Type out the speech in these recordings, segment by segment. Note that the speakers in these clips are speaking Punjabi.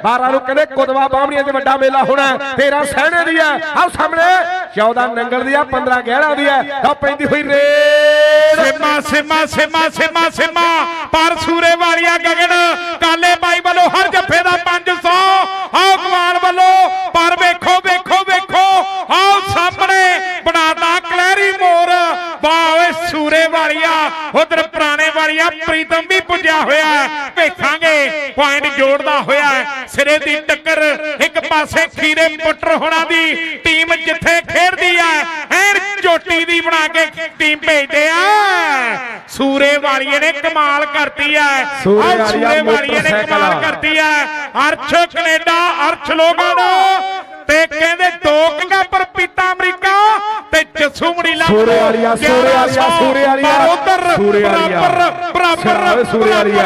12 ਨੂੰ ਕਹਿੰਦੇ ਕੁਦਵਾ ਬਾਹਮਣੀਆਂ 'ਚ ਵੱਡਾ ਮੇਲਾ ਹੋਣਾ 13 ਸਹਿਣੇ ਦੀ ਹੈ ਆਹ ਸਾਹਮਣੇ 14 ਨੰਗਲ ਦੀ ਆ 15 ਗਹਿਣਾ ਦੀ ਹੈ ਆ ਪੈਂਦੀ ਹੋਈ ਰੇਡ ਸਿਮਾ ਸਿਮਾ ਸਿਮਾ ਸਿਮਾ ਸਿਮਾ ਪਰ ਸੂਰੇ ਵਾਲੀਆ ਗਗਨ ਕਾਲੇ ਬਾਈ ਵੱਲੋਂ ਹਰ ਜੱਫੇ ਦਾ 500 ਆਓ ਕਮਾਨ ਵੱਲੋਂ ਪਰ ਵੇਖੋ ਵੇਖੋ ਵੇਖੋ ਆਓ ਸਾਹਮਣੇ ਬਣਾਤਾ ਕਲੈਰੀ ਮੋਰ ਵਾਹ ਓਏ ਸੂਰੇ ਵਾਲੀਆ ਉਧਰ ਪੁਰਾਣੇ ਵਾਲੀਆ ਪ੍ਰੀਤਮ ਵੀ ਪੁੱਜਿਆ ਹੋਇਆ ਵੇਖਾਂਗੇ ਪੁਆਇੰਟ ਜੋੜਦਾ ਹੋਇਆ ਸਿਰੇ ਦੀ ਟੱਕਰ ਇੱਕ ਪਾਸੇ ਖੀਰੇ ਪੁੱਟਰ ਹੋਣਾ ਦੀ ਟੀਮ ਜਿੱਥੇ ਖੇਡਦੀ ਹੈ ਐਨ ਚੋਟੀ ਦੀ ਬਣਾ ਕੇ ਟੀਮ ਭੇਜਦੇ ਆ ਸੂਰੇ ਵਾਲੀਏ ਨੇ ਕਮਾਲ ਕਰਤੀ ਹੈ ਸੂਰੇ ਵਾਲੀਏ ਨੇ ਕਮਾਲ ਕਰਤੀ ਹੈ ਅਰਸ਼ ਕੈਨੇਡਾ ਅਰਸ਼ ਲੋਗਨ ਤੇ ਕਹਿੰਦੇ 2 ਕੱਪ ਪੀਤਾ ਅਮਰੀਕਾ ਤੇ ਜੱਸੂ ਮੜੀਲਾ ਸੂਰੇ ਵਾਲੀਆ ਉਧਰ ਬਰਾਬਰ ਸੂਰੇ ਵਾਲੀਆ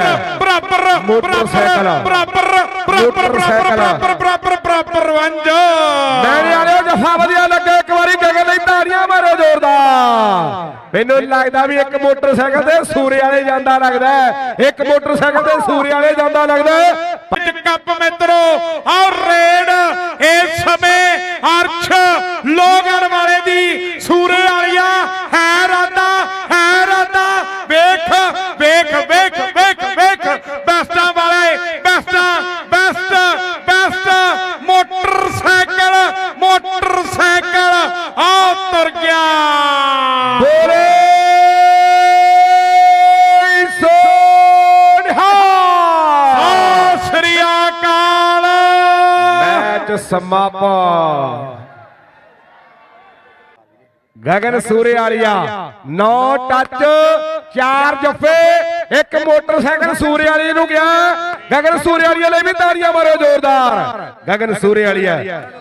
ਬਰਾਬਰ ਵੰਜ ਲੈਣੇ ਵਾਲਿਓ ਜੱਫਾ ਵਧੀਆ ਲੱਗੇ ਇੱਕ ਵਾਰੀ ਗਗਨ ਲਈ ਤਾੜੀਆਂ ਮਾਰੋ ਜ਼ੋਰਦਾਰ ਮੈਨੂੰ ਲੱਗਦਾ ਵੀ ਇੱਕ ਮੋਟਰਸਾਈਕਲ ਤੇ ਸੂਰੇ ਵਾਲੇ ਜਾਂਦਾ ਲੱਗਦਾ ਇੱਕ ਮੋਟਰਸਾਈਕਲ ਤੇ ਸੂਰੇ ਵਾਲੇ ਜਾਂਦਾ ਲੱਗਦਾ ਕੱਪ ਮਿੱਤਰੋ ਔਰ ਰੇਡ ਇਸ ਸਮੇਂ ਅਰਸ਼ ਲੋਗਨ ਵਾਲੇ ਦੀ ਸੂਰੇ ਵਾਲੀਆ ਹੈ ਰਾਦਾ ਵੇਖ ਵੇਖ ਵੇਖ ਵੇਖ ਵੇਖ ਬੈਸਟਾਂ ਵਾਲੇ ਬੈਸਟ ਮੋਟਰਸਾਈਕਲ ਆ ਤੁਰ ਗਿਆ ਬੋਲੇ ਸੋਨਹਾ ਸਤਿ ਸ੍ਰੀ ਅਕਾਲ ਮੈਚ ਸਮਾਪਨ ਗਗਨ ਸੂਰੇ ਵਾਲੀਆ 9 ਟੱਚ 4 ਜੱਫੇ ਇੱਕ ਮੋਟਰਸਾਈਕਲ ਸੂਰੇ ਵਾਲੀ ਨੂੰ ਗਿਆ ਗਗਨ ਸੂਰੇ ਵਾਲੀਆ ਲਈ ਵੀ ਤਾੜੀਆਂ ਮਾਰੋ ਜ਼ੋਰਦਾਰ ਗਗਨ ਸੂਰੇ ਵਾਲੀਆ